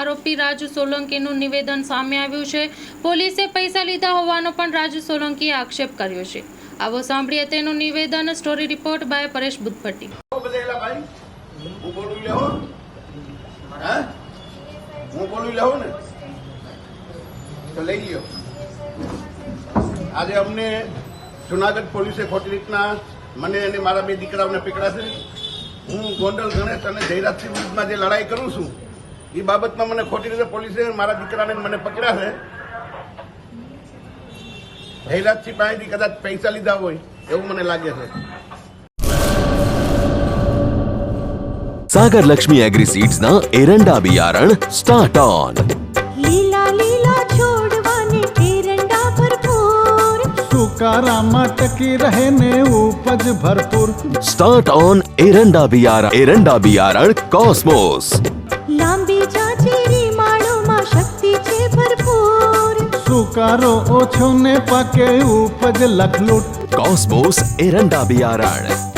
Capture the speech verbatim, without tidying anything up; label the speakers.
Speaker 1: આરોપી રાજુ સોલંકીનું નિવેદન સામે આવ્યું છે। પોલીસે પૈસા લીધા હોવાનો પણ રાજુ સોલંકીએ આક્ષેપ કર્યો છે। આવો સાંભળીએ તેનું નિવેદન। Story report by Paresh Buddhapatti.
Speaker 2: હું બોલી લઉં ને તો લઈ લ્યો। આજે અમને જુનાગઢ પોલીસે ખોટી રીતના મને અને મારા બે દીકરાઓને પકડ્યા છે। હું ગોંડલ ગણેશ અને જયરાજસિંહ વિરુદ્ધમાં જે લડાઈ કરું છું એ બાબતમાં મને ખોટી રીતે પોલીસે મારા દીકરાને મને પકડ્યા છે। જયરાજસિંહ પાસેથી કદાચ પૈસા લીધા હોય એવું મને લાગે છે।
Speaker 3: सागर लक्ष्मी एग्री सीड्स ना एरंडा बियारण स्टार्ट ऑन।
Speaker 4: લીલા લીલા છોડવાને એરંડા ભરપૂર,
Speaker 5: સુકારામાં ટકી રહે ને ઉપજ ભરપૂર।
Speaker 3: स्टार्ट ऑन एरंडा बियारण एरंडा बियारण कॉस्मोस।
Speaker 4: લાંબી જાચેરી માળોમાં શક્તિ છે ભરપૂર,
Speaker 5: સુકારો ઓછો ને પાકે ઉપજ લખલૂટ।
Speaker 3: कॉस्मोस एरंडा बियारण।